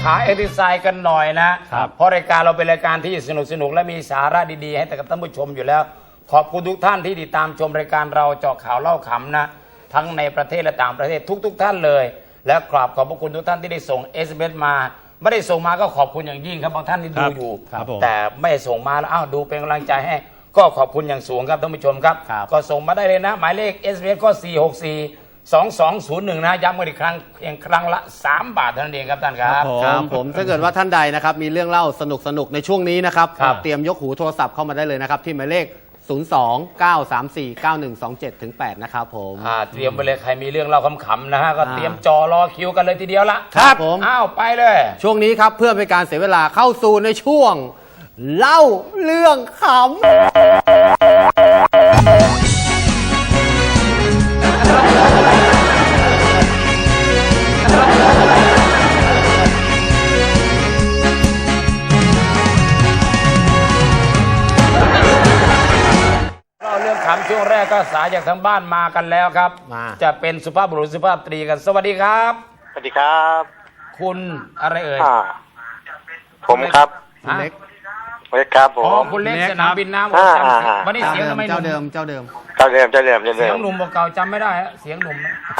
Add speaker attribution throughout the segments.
Speaker 1: ขาเอ็กซ์ไซส์กันหน่อยนะเพราะรายการเราเป็นรายการที่สนุกและมีสาระดีๆให้กับท่านผู้ชมอยู่แล้วขอบคุณทุกท่านที่ติดตามชมรายการเราเจาะข่าวเล่าขำนะทั้งในประเทศและต่างประเทศทุกท่านเลยและขอบพระคุณทุกท่านที่ได้ส่ง SMS มาไม่ได้ส่งมาก็ขอบคุณอย่างยิ่งครับบางท่านที่ดูอยู่แต่ไม่ส่งมาแล้วดูเป็นกำลังใจให้ก็ขอบคุณอย่างสูงครับท่านผู้ชมครับก็ส่งมาได้เลยนะหมายเลข SMS ก็4642201นะย้ำกันอีกครั้งเพียงครั้งละ3 บาทเท่านั้นเองครับท่านครับ
Speaker 2: ครับผมถ้าเกิดว่าท่านใดนะครับมีเรื่องเล่าสนุกในช่วงนี้นะครับเตรียมยกหูโทรศัพท์เข้ามาได้เลยนะครับที่หมายเลข02-934-9127-8นะครับผม
Speaker 1: เตรียมไปเลยใครมีเรื่องเล่าขำๆนะฮะก็เตรียมจอรอคิวกันเลยทีเดียวละ
Speaker 2: ครับผม
Speaker 1: ไปเลย
Speaker 2: ช่วงนี้ครับเพื่อเป็นการเสียเวลาเข้าสู่ในช่วงเล่าเรื่องขำ
Speaker 1: ช่วงแรกก็สายจากทางบ้านมากันแล้วครับจะเป็นสุภาพบุรุษสุภาพสตรีกันสวัสดีครับ
Speaker 3: สวัสดีครับ
Speaker 1: คุณอะไรเอ่ย
Speaker 3: ผมครับ
Speaker 2: เล็ก
Speaker 3: ครับผม
Speaker 1: คุณเล็กสนามบินน้ำวันนี้เสียงทำไม
Speaker 2: เจ้าเดิม
Speaker 1: เสียงหนุ่มเก่าจำไม่ได้เสียงหนุ่ม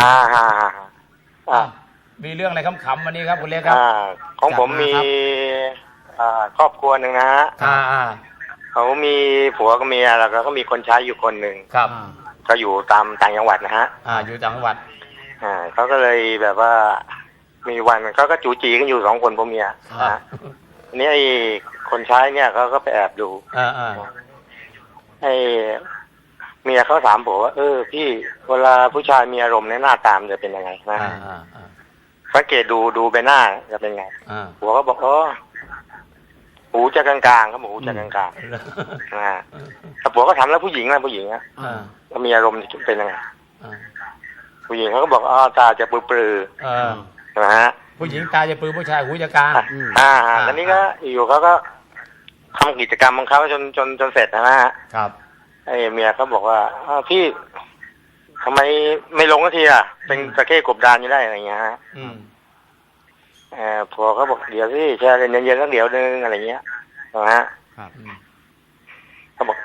Speaker 1: มีเรื่องอะไรขำๆวันนี้ครับคุณเล็กครับ
Speaker 3: ของผมมีครอบครัวหนึ่งนะฮะเขามีผัวก็เมียแล้วก็มีคนใช้อยู่คนหนึ่ง
Speaker 1: ครับ
Speaker 3: ก็อยู่ตามต่างจังหวัดนะฮะ
Speaker 1: อยู่ต่างจังหวัด
Speaker 3: เขาก็เลยแบบว่ามีวันเขาก็จูจีกันอยู่2 คนผัวเมียนะนี่ไอ้คนใช้เนี่ยเขาก็ไปแอบดูไอ้เมียเขาถามผัวว่าพี่เวลาผู้ชายมีอารมณ์ในหน้าตามจะเป็นยังไงนะสังเกตดูใบหน้าจะเป็นไงผัวก็บอกหูจะกลางๆครับหูจะกลางๆแต่ผัวก็ถามแล้วผู้หญิงนะผู้หญิงอ่ะก็มีอารมณ์เป็นยังไงผู้หญิงเขาก็บอกตาจะปลือๆนะฮะ
Speaker 1: ผู้หญิงตาจะปลือผู้ชายหูจะกลาง
Speaker 3: แล้วนี้ก็อยู่เขาก็ทำกิจกรรมของเขาจนเสร็จนะฮะ
Speaker 1: ครับ
Speaker 3: ไอ้เมียเขาบอกว่าพี่ทำไมไม่ลงสักทีอ่ะเป็นตะเข้กบดานอยู่ได้อะไรเงี้ยฮะผัวเขาบอกเดี๋ยวพี่แช่เย็นๆสักเดี๋ยวนึงอะไรเงี้ยนะฮะเขาบอก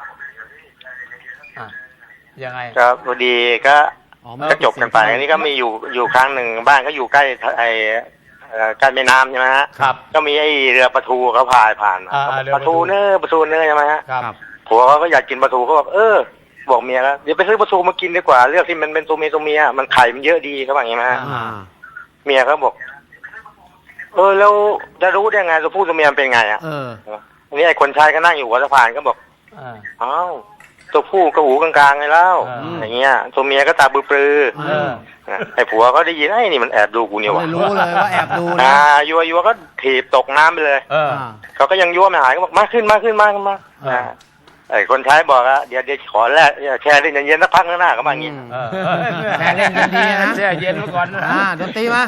Speaker 1: ยังไง
Speaker 3: ก็พอดีก็จบกันไปอันนี้ก็มีอยู่ครั้งหนึ่งบ้านก็อยู่ใกล้ใกล้แม่น้ำใช่ไหมฮะก็มีไอ้เรือปลาทูเขาผ่านปลาทูเนื้อใช่ไหมฮะผัวเขาก็อยากกินปลาทูเขาบอกบอกเมียแล้วเดี๋ยวไปซื้อปลาทูมากินดีกว่าเลือกที่มันเป็นตัวเมียมันไข่มันเยอะดีเขาบอกอย่างนี้ฮะเมียเขาบอกแล้วจะรู้ได้ไงตัวผู้ตัวเมียเป็นไงอันนี้ไอ้คนชายก็นั่งอยู่หัวสะพานก็บอกตัวผู้ก็หูกลางๆไงแล้วอย่างเงี้ยตัวเมียก็ตาปลือไอ้ผัวเขาได้ยินไอ้นี่มันแอบดูกูเนี่ยวะ
Speaker 2: รู้เลยว่าแอบดูนะ
Speaker 3: ยัวก็ถีบตกน้ำไปเลยเขาก็ยังยั่วไม่หายก็บอกมาขึ้นไอ้คนใช้บอกเดี๋ยวขอแรกแช่เล่นเย็นๆสักพักหน้าก็มาอย่างงี้
Speaker 2: แช่เล่นกันดีนะ
Speaker 1: แช่เย็นมาก่อน
Speaker 2: ดนตรีมา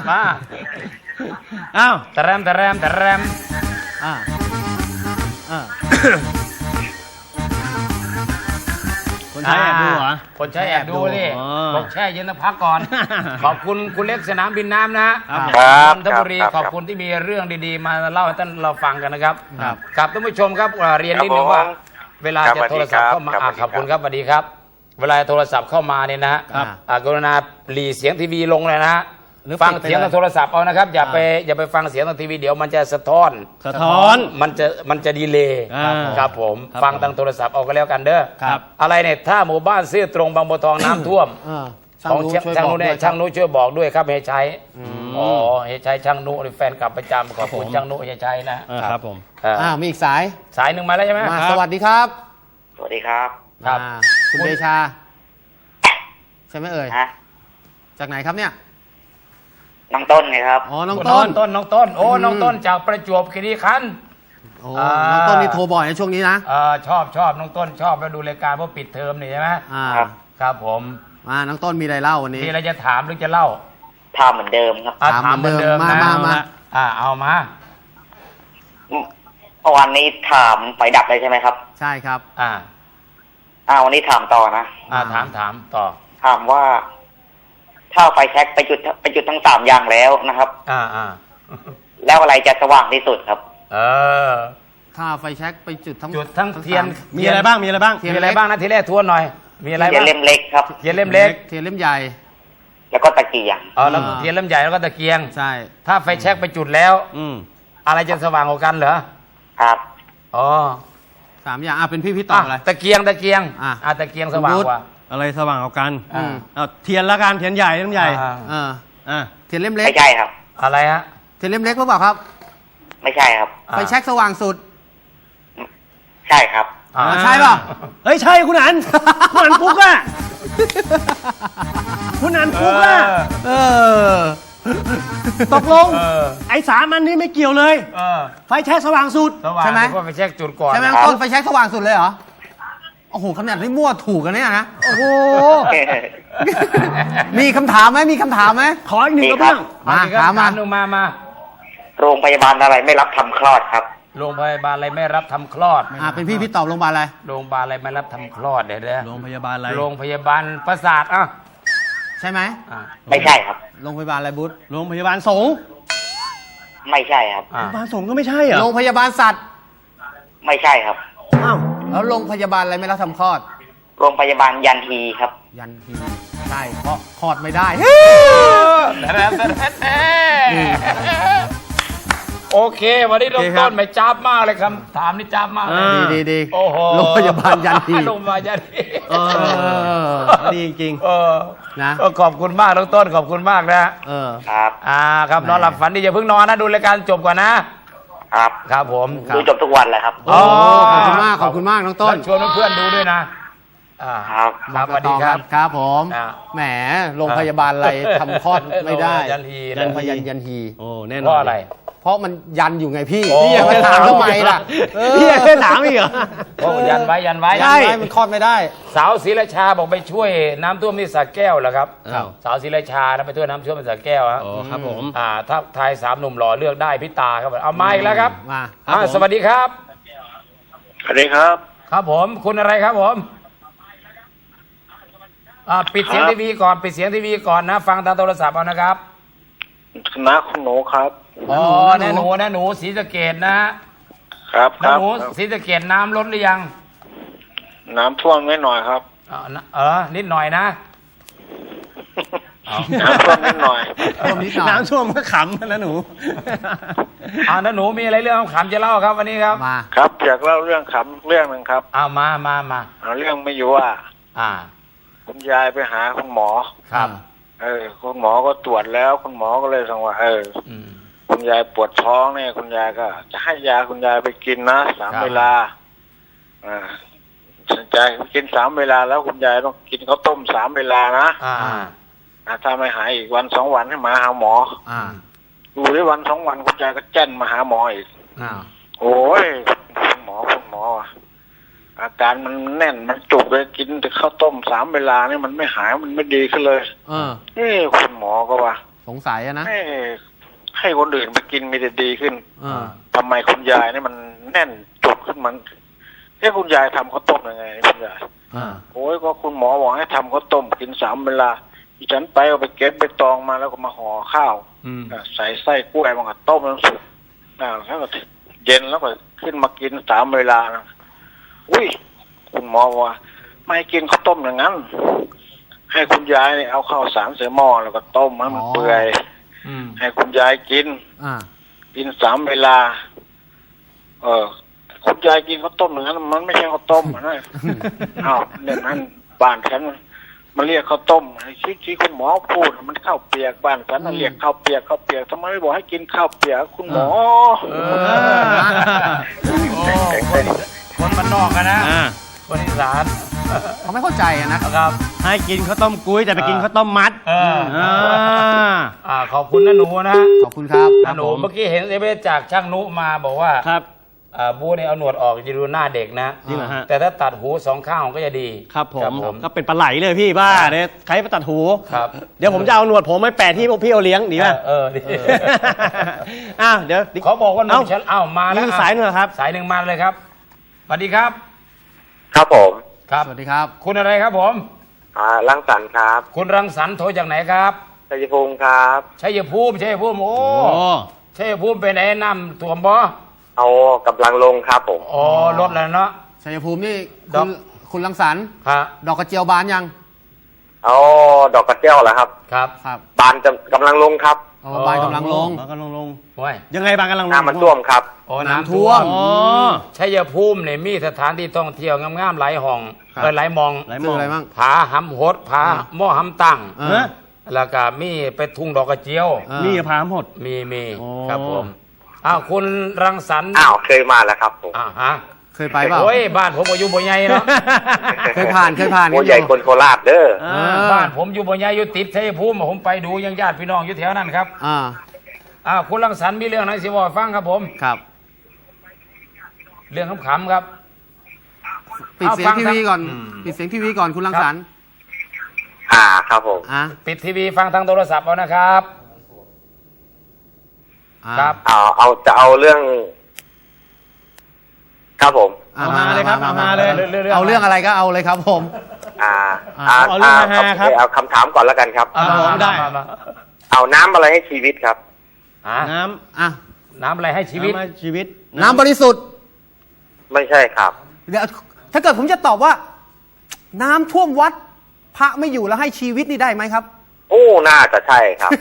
Speaker 1: ตะแรม
Speaker 2: คนใช้แอบดูเหรอ
Speaker 1: คนใช้แอบดูนี่บอกแช่เย็นแล้วพักก่อนขอบคุณคุณเล็กสนามบินน้ำนะครับนนทบุรีขอบคุณที่มีเรื่องดีๆมาเล่าให้ท่านเราฟังกันนะครับครับท่านผู้ชมครับเรียนนิดนึงว่าเวลาจะโทรศัพท์เข้ามาขอบคุณครับสวัสดีครับเวลาโทรศัพท์เข้ามาเนี่ยนะกรุณาหลีเสียงทีวีลงเลยนะฮะฟังเสียงทางโทรศัพท์เอานะครับอย่าไปฟังเสียงทางทีวีเดี๋ยวมันจะสะท้อนมันจะดีเลย์ครับผมฟังทางโทรศัพท์เอาก็แล้วกันเด้ออะไรเนี่ยถ้าหมู่บ้านซื่อตรงบางบัวทองน้ำท่วมของช่างนุเนี่ยช่างนุช่วยบอกด้วยครับเฮชัยเฮชัยช่างนุแฟนกลับประจำขอบคุณช่างนุเฮชัย
Speaker 2: นะครับผมมีอีกสาย
Speaker 1: หนึ่งมาแล้วใช่ไหม
Speaker 2: สวัสดีครับ
Speaker 3: สวัสดีครับ
Speaker 2: คุณเดชาใช่ไหมเอ่ยจากไหนครับเนี่ย
Speaker 3: น้องต้นไงครับ
Speaker 2: น้องต้น
Speaker 1: น้องต้นจากประจวบคีรีขันธ์
Speaker 2: น้องต้นนี่โทรบ่อยในช่วงนี้นะ
Speaker 1: ชอบน้องต้นชอบไปดูรายการเพราะปิดเทอมนี่ใช่ไหมครับผม
Speaker 2: น้องต้นมีอะไรเล่าวันนี้
Speaker 1: มีอะไรจะถามหรือจะเล่า
Speaker 3: ถามเหมือนเดิมครับ
Speaker 1: ถามเหมือนเดิมมาเอามา
Speaker 3: วันนี้ถามไฟดับเลยใช่ไหมครับ
Speaker 2: ใช่ครับ
Speaker 3: วันนี้ถามต่อนะ
Speaker 1: ถามต่อ
Speaker 3: ถามว่าถ้าไฟแช็กไปจุดทั้ง3 อย่างแล้วนะครับ
Speaker 4: แล้วอะไรจะสว่างที่สุดครับ
Speaker 1: เออ
Speaker 2: ถ้าไฟแช็กไปจุดทั้ง
Speaker 1: จุดทั้งเทียน
Speaker 5: มีอะไรบ้างมีอะไรบ้าง
Speaker 2: เทียน
Speaker 1: มีอะไรบ้างนะทีแรกทวนหน่อย มีอะไร
Speaker 4: เทีย
Speaker 1: บ้าน ง
Speaker 4: เล่มเล็กครับ
Speaker 1: เทียนเล่มเล็ก
Speaker 2: เทียนเล่มใหญ่
Speaker 4: แล้วก็ตะเกียง
Speaker 1: อ๋อแล้วเทียนเล่มใหญ่แล้วก็ตะเกียง
Speaker 2: ใช่
Speaker 1: ถ้าไฟแช็กไปจุดแล้ว
Speaker 5: อืม
Speaker 1: อะไรจะสว่างกว่ากันเหรอ
Speaker 4: ครับ
Speaker 1: อ๋อ
Speaker 2: 3 อย่างเป็นพี่ตอบอะไร
Speaker 1: ตะเกียงตะเกียง
Speaker 2: อ่ะ
Speaker 1: ตะเกียงสว่างกว่า
Speaker 5: อะไรสว่างกว่ากัน
Speaker 1: อืม
Speaker 5: เอาเทียนละกันเทียนใหญ่เทียนใหญ่
Speaker 1: อ่า
Speaker 2: อ่า
Speaker 5: อ่ะ
Speaker 2: เทียนเล่มเล็ก
Speaker 4: ไม่ใช่ครับ
Speaker 1: อะไรฮะ
Speaker 2: เทียนเล่มเล็กหรือเปล่าครับ
Speaker 4: ไม่ใช่ครับ
Speaker 1: อ่า
Speaker 2: ไฟแช็กสว่างสุด
Speaker 4: ใช่ครับ
Speaker 1: อ่า
Speaker 2: ใช่ป่ะ
Speaker 5: เฮ้ยใช่คุณอันคุณอันปุ๊กอะคุณอันปุ๊กอะ
Speaker 2: เออ
Speaker 5: ตกลง
Speaker 1: เออ
Speaker 5: ไอ้สามอันนี้ไม่เกี่ยวเลย
Speaker 1: เออ
Speaker 5: ไฟแช็กสว่างสุด
Speaker 1: สว่าง
Speaker 2: ใช่ไหม
Speaker 1: เพราะไฟแช็กจุดก่อน
Speaker 2: ใช่ไหม
Speaker 4: ครับ
Speaker 2: ต้นไฟแช็กสว่างสุดเลยเหรอ โอ้โหขนาดที่มั่วถูกกันเนี่ยนะ โอ้โห มีคำถามไหมมีคำถามไหม
Speaker 5: ขออีกหนึ่ง
Speaker 4: มี
Speaker 5: กระ
Speaker 4: ครั
Speaker 5: เบื้
Speaker 4: บ
Speaker 5: อง
Speaker 1: มา
Speaker 2: มา
Speaker 1: ค
Speaker 2: ถา
Speaker 1: รั
Speaker 2: ม
Speaker 1: บ
Speaker 2: มา
Speaker 1: หนูมา
Speaker 4: โรงพยาบาลอะไรไม่รับทำคลอดครับ
Speaker 1: โรงพยาบาลอะไรไม่รับทำคลอด
Speaker 2: เป็นพี่ตอบโรงพยาบาลอะไร
Speaker 1: โรงพยาบาลอะไรไม่รับทำคลอดเดี๋ยว
Speaker 5: โรงพยาบาลอะไร
Speaker 1: โรงพยาบาลประสาทอ่ะ
Speaker 2: ใช่ไหม
Speaker 1: อ่ะ
Speaker 4: ไม่ใช่ครับ
Speaker 2: โรงพยาบาลอะไรบุ๊ท
Speaker 5: โรงพยาบาลสงฆ์
Speaker 4: ไม่ใช่ครับ
Speaker 5: โรงพยาบาลสงฆ์ก็ไม่ใช่เหรอ
Speaker 2: โรงพยาบาลสัตว์
Speaker 4: ไม่ใช่ครับ
Speaker 5: อ้าว
Speaker 2: แล้วโรงพยาบาลอะไรไม่รับทำคลอด
Speaker 4: โรงพยาบาลยันทีครับ
Speaker 2: ยันทีใช่เพราะคลอดไม่ได้
Speaker 1: โอเค วันนี้เราต้นไม่จ้าบมากเลยคำถามนี่จ้าบมากเลย
Speaker 2: ดี
Speaker 1: โอ้โห
Speaker 2: โรงพยาบาลยันที
Speaker 1: โรงพยาบาลยันที
Speaker 5: เออดีจริง
Speaker 1: เออ
Speaker 2: นะ
Speaker 1: ก็ขอบคุณมากน้องต้นขอบคุณมากนะ
Speaker 2: เออ
Speaker 4: ครับ
Speaker 1: ครับนอนหลับฝันดีอย่าเพิ่งนอนนะดูรายการจบก่อนนะ
Speaker 4: ครับ
Speaker 1: ครับผม
Speaker 4: ดูจบทุกวันเลยครับ
Speaker 2: โอ้ขอบคุณมากขอบคุณมากน้องต้น
Speaker 1: แล้วชวนเพื่อนๆดูด้วยนะอ่า
Speaker 4: ครับ
Speaker 1: ครับสวัสดีครับ
Speaker 2: ครับผม
Speaker 1: อ่ะ
Speaker 2: แหมโรงพยาบาลอะไรทำคลอดไม่ได้
Speaker 1: ยันทีนะ
Speaker 2: โรงพยาบาลยันที
Speaker 5: โอ้แน่นอน
Speaker 1: เพราะอะไร
Speaker 2: เพราะมันยันอยู่ไงพี่
Speaker 1: โอ้
Speaker 2: พี่อย่าไปถามทำไมล่ะ
Speaker 5: พี่ยังไม่ถามอีกเหรอ
Speaker 1: เพราะยันไว้ยันไว้
Speaker 2: ใช่มันคลอดไม่ได้
Speaker 1: สาวศรีราชาบอกไปช่วยน้ำท่วมที่สระแก้วเหรอครับ
Speaker 5: อ้าว
Speaker 1: สาวศรีราชานะไปช่วยน้ำท่วมที่สระแก้วฮะ
Speaker 5: โอ้ครับผม
Speaker 1: ถ้าทายสามหนุ่มหล่อเลือกได้พี่ตาครับเอามาอีกแล้วครับ
Speaker 2: มา
Speaker 1: สวัสดีครับ
Speaker 3: สวัสดีครับ
Speaker 1: ครับผมคุณอะไรครับผมปิดเสียงทีวีก่อนปิดเสียงทีวีก่อนนะ ฟังทางโทรศัพท์เอานะครับ
Speaker 3: คณะคุณหนูครับ
Speaker 1: อ๋อน้าหนูศรีสะเกษนะฮะ
Speaker 3: ครับ
Speaker 1: น้าหนูศรีสะเกษน้ำลดหรือยัง
Speaker 3: น้ำท่วมไม่หน่อยครับ
Speaker 1: นิดหน่อยนะ
Speaker 3: น้ำท่วมนิดหน่อย
Speaker 2: ท่วมนิดหน่อย
Speaker 5: น้ำท่วมก็ขำนะหนู
Speaker 1: น้าหนูมีอะไรเรื่องขำจะเล่าครับวันนี้ครับ
Speaker 2: มา
Speaker 3: ครับอยากเล่าเรื่องขำเรื่องหนึ่งครับ
Speaker 1: มา
Speaker 3: เอาเรื่องไม่อยู่ว่า คุณยายไปหาคุณหมอ
Speaker 1: ครับ
Speaker 3: คุณหมอก็ตรวจแล้ว คุณหมอก็เลยสั่งว่าคุณยายปวดท้องเนี่ยคุณยายก็จะให้ยาคุณยายไปกินนะ3 เวลาสนใจกิน3 เวลาแล้วคุณยายต้องกินข้าวต้ม3 เวลานะถ้าไม่หายอีกวัน2 วันให้มาหาหมอดูได้วัน2 วันคุณยายก็แจ้นมาหาหมออีกโอ้ยคุณหมออาการมันแน่นมันจุกเลยกินแต่ข้าวต้ม3 เวลานี่มันไม่หายมันไม่ดีขึ้นเลยคุณหมอก็ว่า
Speaker 2: สงสัยอะนะ
Speaker 3: ให้คนอื่นไปกินมีแต่ดีขึ้น ทำไมคุณยายนี่มันแน่นจุกขึ้นมันคุณยายทำข้าวต้มยังไงคุณยายโอ้ยก็คุณหมอบอกให้ทำข้าวต้มกิน3 เวลาดิฉันไปเอาไปเก็บไปตองมาแล้วก็มาห่อข้าวใส่ไส้กล้วยมันก็ต้มน้ำสุกแล้วก็เย็นแล้วก็ขึ้นมากิน3 เวลานะอุ้ยคุณหมอว่าไม่ให้กินข้าวต้มอย่างนั้นให้คุณยายเอาข้าวสารใส่หม้อแล้วก็ต้มให้มันเปื่อยให้คุณยายกิน3 เวลาคุณยายกินข้าวต้มอย่างนั้นมันไม่ใช่ข้าวต้มนะเนี่ยนั้นบ้านฉันมันเรียกข้าวต้มที่คุณหมอพูดมันข้าวเปียกบ้านฉันเรียกข้าวเปียกทำไมไม่บอกให้กินข้าวเปียกคุณหมอ
Speaker 1: คนบ้านนอกกันนะคนอีสาน
Speaker 2: เขาไม่เข้าใจอะนะครับ
Speaker 5: ให้กินข้าวต้มกุ้ยแต่ไปกินข้าวต้มมัด
Speaker 1: ขอบคุณน้าหนูนะ
Speaker 2: ขอบคุณครับ
Speaker 1: น้าหนูเมื่อกี้เห็นเอเวจากช่างนุมาบอกว่า
Speaker 5: ครับ
Speaker 1: บูเนี่ยเอาหนวดออกจะดูหน้าเด็กนะ
Speaker 5: จริงเหรอฮะ
Speaker 1: แต่ถ้าตัดหู2 ข้างก็จะดี
Speaker 5: ครับผมก็เป็นปลาไหลเลยพี่บ้าเนี่ยใครไปตัดหู
Speaker 1: ครับ
Speaker 5: เดี๋ยวผมจะเอาหนวดผมไปแปะที่พวกพี่เอาเลี้ยงดีป่ะ
Speaker 1: ดี
Speaker 5: เดี๋ยว
Speaker 1: เขาบอกว่าหนุ่มฉันมาแล้ว
Speaker 5: มีสายหนึ่งครับ
Speaker 1: สายหนึ่งมาเลยครับสวัสดีครับ
Speaker 3: ครับผม
Speaker 1: ครับ
Speaker 2: สวัสดีครับ
Speaker 1: คุณอะไรครับผม
Speaker 3: รังสรรค์ครับ
Speaker 1: คุณรังสรรค์โทรจากไหนครับ
Speaker 3: ชัยภูมิครับ
Speaker 1: ชัยภูมิโอ้
Speaker 5: โอ้
Speaker 1: ชัชัยภูมิเป็นไอ้น้ำท่วมบ่
Speaker 3: เอากำลังลงครับผม
Speaker 1: อ๋อลดแล้วเนาะ
Speaker 2: ชัยภูมินี่
Speaker 1: ดอก
Speaker 2: คุณรังสรรค์
Speaker 1: ครับ
Speaker 2: ดอกกระเจียวบานยัง
Speaker 3: เอาดอกกระเจียวเหรอครับ
Speaker 1: ครับ
Speaker 2: ครับ
Speaker 3: บานจะกำลังลงครับ
Speaker 2: อ๋อบานกำลังลง
Speaker 5: บางกำลังลง
Speaker 1: โอ้ย
Speaker 5: ยังไงบางกำลังลง
Speaker 3: น้ำมันท่วมครับ
Speaker 1: โอ้
Speaker 2: น้ำ
Speaker 1: น้ำ
Speaker 2: ท่
Speaker 1: ท่
Speaker 2: ว
Speaker 1: ว
Speaker 2: ม
Speaker 1: ม
Speaker 5: อ๋อ
Speaker 1: ชัยภูมิเนี่ยมีสถานที่ท่องเที่ยวงามๆหลายห้อง
Speaker 2: ครับ
Speaker 1: หลายมอง
Speaker 5: หลาย
Speaker 2: คืออะไรบ้าง
Speaker 1: ผาหำโหดผาหม้อหำตั้ง
Speaker 2: อ่า
Speaker 5: ฮะ
Speaker 1: แล้วก็มีไปทุ่งดอกกระเจียว
Speaker 2: อ่า
Speaker 5: มีพามหด
Speaker 1: มี
Speaker 5: โอ้
Speaker 1: ครับผมอ้าวคุณรังสรรค์
Speaker 3: อ้าวเคยมาแล้วครับผม
Speaker 1: ฮะ
Speaker 2: เคยไปเปล่า
Speaker 1: โอ้ยบ้านผมก็อยู่บ่ใหญ่เนาะ
Speaker 2: เคยผ่าน
Speaker 3: โอ้ใหญ่คนโคราชเด้อ
Speaker 5: อ่า
Speaker 1: บ้านผมอยู่บ่ใหญ่อยู่ติดชัยภูมิผมไปดูยังญาติพี่น้องอยู่แถวนั้นครับ คุณรังสรรค์มีเรื่องไหนสิบอกให้ฟังครับผม
Speaker 2: ครับ
Speaker 1: เรื่องขำๆครับ
Speaker 2: ปิดเสียง
Speaker 1: เอาฟัง
Speaker 2: ทีวีก่อน
Speaker 1: อืม
Speaker 2: ปิดเสียงทีวีก่อนคุณรังสรรค์
Speaker 3: ครับผม
Speaker 2: อ่ะ
Speaker 1: ปิดทีวีฟังทางโทรศัพท์เอานะครับ
Speaker 2: อ่ะ
Speaker 1: ครับ
Speaker 3: เอาเรื่อง ครับผม
Speaker 2: อ่ะ
Speaker 5: เอามาเลยครับเอามาเลย
Speaker 2: เอาเรื่องอะไรก็เอาเลยครับผม
Speaker 5: เอาเรื่องฮาๆครับ
Speaker 3: เอาคำถามก่อนแล้วกันครับ
Speaker 5: อ่าผมได้
Speaker 1: มา
Speaker 3: เอาน้ำอะไรให้ชีวิตครับ
Speaker 5: น้
Speaker 2: อ่ะ
Speaker 1: น้ำอะไรให้
Speaker 5: ำ
Speaker 1: ชีวิต
Speaker 5: น้ำชีวิต
Speaker 2: น้ำบริสุทธิ์
Speaker 3: ไม่ใช่ครับ
Speaker 2: เดี๋ยวถ้าเกิดผมจะตอบว่า น้ำท่วมวัด พระไม่อยู่แล้วให้ชีวิตนี่ได้ไหมครับ
Speaker 3: โอ้น่าจะใช่ครับ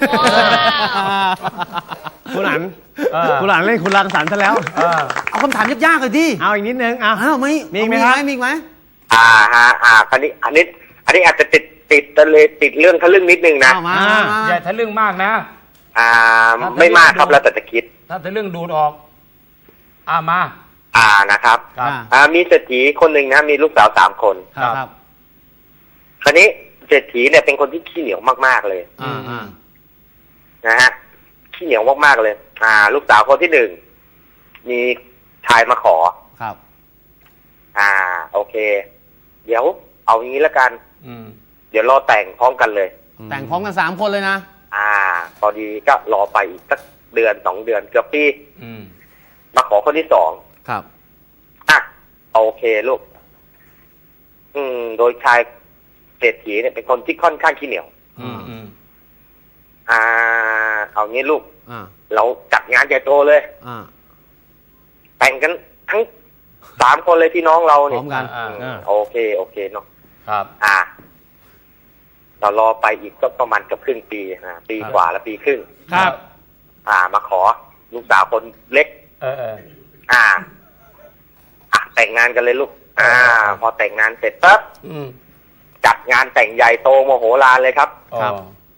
Speaker 5: คุณหลัน
Speaker 1: เออ
Speaker 5: คุณหลันเล่นคุณรังสรรค์ซะแล้ว
Speaker 2: เอาคำถามยากๆเลยดิ
Speaker 5: เอาอีกนิดนึงเอา
Speaker 2: อ้าวไม่
Speaker 5: มีอีกไหมครับ
Speaker 2: มีอีกไหม
Speaker 3: อันนี้อาจจะติดเรื่องทะลึ่งนิดนึงนะ
Speaker 2: เอามา
Speaker 1: อย่าทะลึ่งมากนะ
Speaker 3: ไม่มากครับแล้วแต่จะคิด
Speaker 1: ถ้าทะลึ่งดูดออกมา
Speaker 3: นะครับ
Speaker 1: ครับ
Speaker 3: มีเศรษฐีคนหนึ่งนะมีลูกสาว3 คน
Speaker 2: ครับ
Speaker 3: คราวนี้เศรษฐีเนี่ยเป็นคนที่ขี้เหนียวมากๆเลย
Speaker 2: อ่า
Speaker 3: นะฮะขี้เหนียวมากๆเลย ลูกสาวคนที่1มีชายมาขอ
Speaker 2: ครับ
Speaker 3: โอเค เดี๋ยวเอาอย่างนี้แล้วกัน เดี๋ยวรอแต่งพร้อมกันเลย
Speaker 2: แต่งพร้อมกัน3 คนเลยนะ
Speaker 3: พอดีก็รอไปอีกสัก1-2 เดือนเกือบปี มาขอคนที่2
Speaker 2: ครับ
Speaker 3: โอเคลูก โดยชายเศรษฐีเนี่ยเป็นคนที่ค่อนข้างขี้เหนียว เอางี้ลูก เราจัดงานใหญ่โตเลย แต่งกันทั้ง3 คนเลยพี่น้องเรา
Speaker 2: พ
Speaker 3: เนี่
Speaker 2: ร้อมกัน
Speaker 3: โอเคเนาะ
Speaker 1: ครับ
Speaker 3: เรารอไปอีกก็ประมาณเกือบครึ่งปีปีกว่าแล้วปีครึ่ง
Speaker 5: ครับ
Speaker 3: มาขอลูกสาวคนเล็ก แต่งงานกันเลยลูก พอแต่งงานเสร็จปั๊บจัดงานแต่งใหญ่โตโมโหลานเลยครับ
Speaker 2: ครับ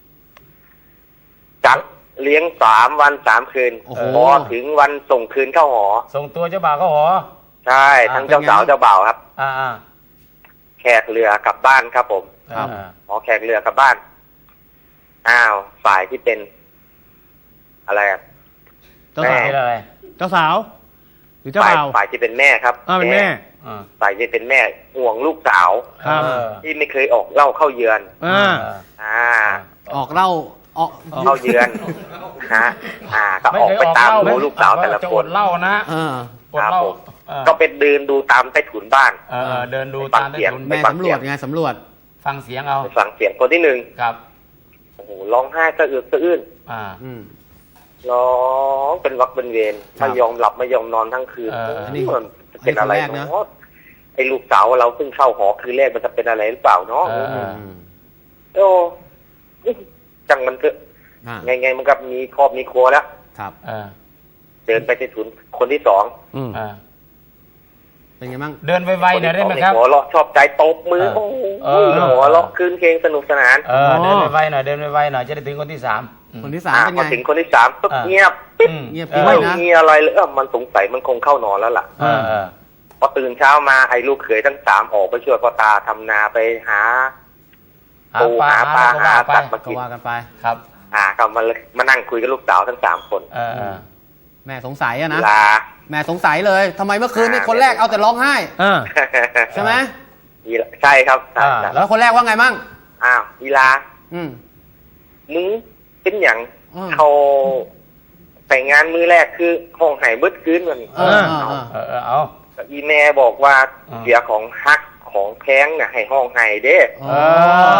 Speaker 3: จัดเลี้ยง3 วัน3 คืน
Speaker 2: โอ้โห
Speaker 3: พอถึงวันส่งคืนเข้าหอ
Speaker 1: ส่งตัวเจ้าบ่าวเข้าหอ
Speaker 3: ใช่ทั้งเจ้าสาวเจ้าบ่าวครับ แขกเรือกลับบ้านครับผม
Speaker 2: ครับ
Speaker 3: แขกเรือกลับบ้านฝ่ายที่เป็น อะไร
Speaker 5: เจ้าสาว
Speaker 1: เป็นอะไร
Speaker 5: เจ้าสาวหรือเจ้า
Speaker 3: ฝ่าย
Speaker 5: บ่าว
Speaker 3: ฝ่ายที่เป็นแม่ครับ
Speaker 5: เป็นแม่
Speaker 3: ฝ่ายที่เป็นแม่ห่วงลูกสาว
Speaker 5: ครับ
Speaker 3: ที่ไม่เคยออกเหล่าเข้าเยือน
Speaker 2: ออกเหล่าออก
Speaker 3: เข้าเยือนก็ออกไปตามดูลูกสาวแต่ละ
Speaker 1: จะ
Speaker 3: ค
Speaker 1: อน ดเหล้านะอดเหล้า
Speaker 3: ก็เป็นเดินดูตามใต้ถุนบ้าน
Speaker 1: เดินดู
Speaker 3: ฟั
Speaker 1: ตาง ม
Speaker 3: เสียง
Speaker 1: ถนน
Speaker 2: แม่สำรวจไงสำรวจ
Speaker 1: ฟังเสียงเอา
Speaker 3: ฟังเสียงคนที่1
Speaker 1: ครับ
Speaker 3: โอ้โหร้องไห้สะอึกสะอื้น ร้องเป็นวักเป็นเวร
Speaker 2: ครับ
Speaker 3: ไม่ยอมหลับไม่ยอมนอนทั้งคืน
Speaker 2: อันนี้
Speaker 3: มันเป็นอะไร
Speaker 2: อันนี้คนแรกนะ
Speaker 3: เนาะไอ้ลูกสาวเราเพิ่งเข้าหอคืนแรกมันจะเป็นอะไรหรือเปล่าเนาะโอ้จังมันเถอะไงมันก็มีครอบมีครัวแล้ว
Speaker 2: ครับ
Speaker 3: เดินไปที่ถุนคนที่2
Speaker 2: เป็นไงบ้าง
Speaker 1: เดินไวๆหน่อยได้ไหมครับ
Speaker 3: หัวเราะชอบใจตบมือโอ้โหหัวเราะคืนเพลงสนุกสนาน
Speaker 1: เดินไวๆหน่อยเดินไวๆหน่อยจะได้ถึงคนที่3
Speaker 2: คนที่3เป็น
Speaker 3: พอ
Speaker 2: ไง
Speaker 3: ถึงคนที่3ปุ๊บเงียบปิ๊บ
Speaker 2: เงียบปิ๊บ
Speaker 3: ไม่
Speaker 2: นะ
Speaker 3: มีอะไรเลยมันสงสัยมันคงเข้านอนแล้วล่ะ พอตื่นเช้ามาไอ้ลูกเขยทั้ง3ออกไปช่วยพ่อตาทำนาไปหาปูหาปลาหาสัตว์มา
Speaker 2: ก็
Speaker 3: กิน
Speaker 2: ว่ากันไป
Speaker 1: ครับ
Speaker 3: ก็มานั่งคุยกับลูกสาวทั้ง3 คน
Speaker 2: แม่สงสัยอะนะ
Speaker 3: ลา
Speaker 2: แม่สงสัยเลยทำไมเมื่อคืนนี่คนแรกเอาแต่ร้องไห้ ใช่ไหม
Speaker 3: ใช่ครับ
Speaker 2: แล้วคนแรกว่าไงมั่ง
Speaker 3: อีลามึงเป็นอย่างเขาแต่งงานมื้อแรกคือห้องไห้เบิดคืนมัน
Speaker 1: เอา
Speaker 3: อีแม่บอกว่าเสียของฮักของแพงน่ะให้ห้องไห้เด้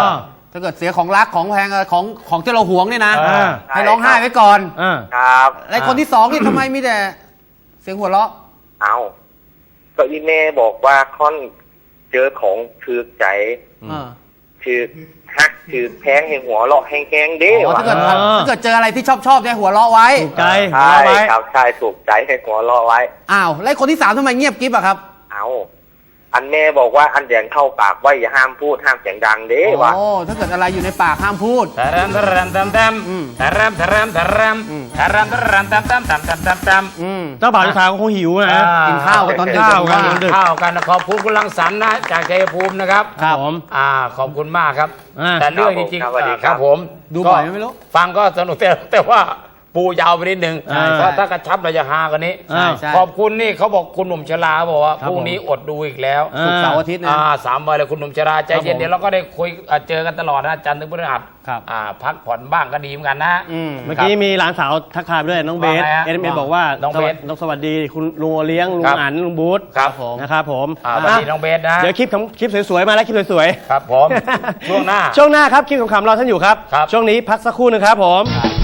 Speaker 2: ถ้าเกิดเสียของรักของแพงของที่เราหวงเนี่ยนะ
Speaker 3: ใช่
Speaker 2: ให้ร้องไห้ไว้ก่อน
Speaker 3: ครับ
Speaker 2: และคนที่สองนี่ทำไมมีแต่เสียงหัวเราะ
Speaker 3: เอาก็อีเม่บอกว่าค่อนเจอของถือใจ ถือฮักถือแพงให้หัวเราะแห้งๆเด้
Speaker 2: อ๋อ
Speaker 3: วะ
Speaker 2: ถ้าเกิดเจออะไรที่ชอบเนี่ยหัวเราะไว้
Speaker 5: ถูกใจ
Speaker 3: ใช่
Speaker 5: เอาไว้
Speaker 3: ครับใช่ถูกใจให้หัวเราะไว้
Speaker 2: อ้าวแล้วคนที่สามทำไมเงียบกิ๊บอะครับ
Speaker 3: เอาอันแม่บอกว่าอันแดงเข้าปากไว้อย่าห้ามพูดห้ามเสียงดังเด้วะ
Speaker 2: โอ้ถ้าเกิดอะไรอยู่ในปากห้ามพูด
Speaker 1: ทะรัมทะรัมทำทำทะรัมทะรัมทะรัมทะรัมทะรัมทำทำทำทำทำทำ
Speaker 5: เจ้าบ่าวเจ้าสาวก็คงหิวนะ
Speaker 2: กินข้าวกันตอนดึก
Speaker 5: ข้าวกัน
Speaker 1: กินข้าวกันขอบคุณคุณรังสรรค์นะจากชัยภูมินะครับ
Speaker 5: ครับผม
Speaker 1: ขอบคุณมากครับ
Speaker 5: อ่า
Speaker 1: แต่เรื่องจริง
Speaker 3: ครับสวัสดี
Speaker 1: ๆ
Speaker 3: ค
Speaker 1: ค
Speaker 3: รั
Speaker 1: รับ บผม
Speaker 2: ดูบ่อยไหมไม่รู้
Speaker 1: ฟังก็สนุกแต่ว่าปูยาวไปนิดนึง
Speaker 5: ใช่
Speaker 1: เพราะถ้ากระชับเราจะฮากันนี้
Speaker 5: ใช่
Speaker 2: ใช่
Speaker 1: ขอบคุณนี่เขาบอกคุณหนุ่มชราบอกว่า
Speaker 5: ครับ
Speaker 1: พรุ่งนี้อดดูอีกแล้ว
Speaker 5: อ่า
Speaker 2: ศุกร์เสาร์อาทิตย์นะ
Speaker 1: 3 วันเลยคุณหนุ่มชราใจเย็น
Speaker 5: ครับผม
Speaker 1: เดี๋ยวเราก็ได้คุยเจอกันตลอดนะจันทร์ถึงพฤหัส
Speaker 5: ครับ
Speaker 1: พักผ่อนบ้างก็ดีเหมือนกันนะ
Speaker 5: เมื่อกี้มีหลานสาวทักทายไปด้วยน้องเบส
Speaker 1: ว่าไงฮะ
Speaker 5: เอ็มบอกว่า
Speaker 1: น้องเบส
Speaker 5: น้องสวัสดีคุณลุงโอเลี้ยงลุ
Speaker 1: ครั
Speaker 5: ง
Speaker 1: บ
Speaker 5: อันลุงบูธ
Speaker 1: ครับผม
Speaker 5: นะครับผม
Speaker 1: สวัสดีน้องเบสนะ
Speaker 5: เดี๋ยวคลิปสวยๆมาแล้วคลิปสวย
Speaker 1: ครับผม
Speaker 5: ๆ
Speaker 1: ช่วงหน้า
Speaker 5: ช่วงหน้าครับคลิปขำๆรอท่านอยู่ครับ
Speaker 1: ครับ
Speaker 5: ช่วงนี้พักสักครู่หนึงครับผม
Speaker 1: ครับ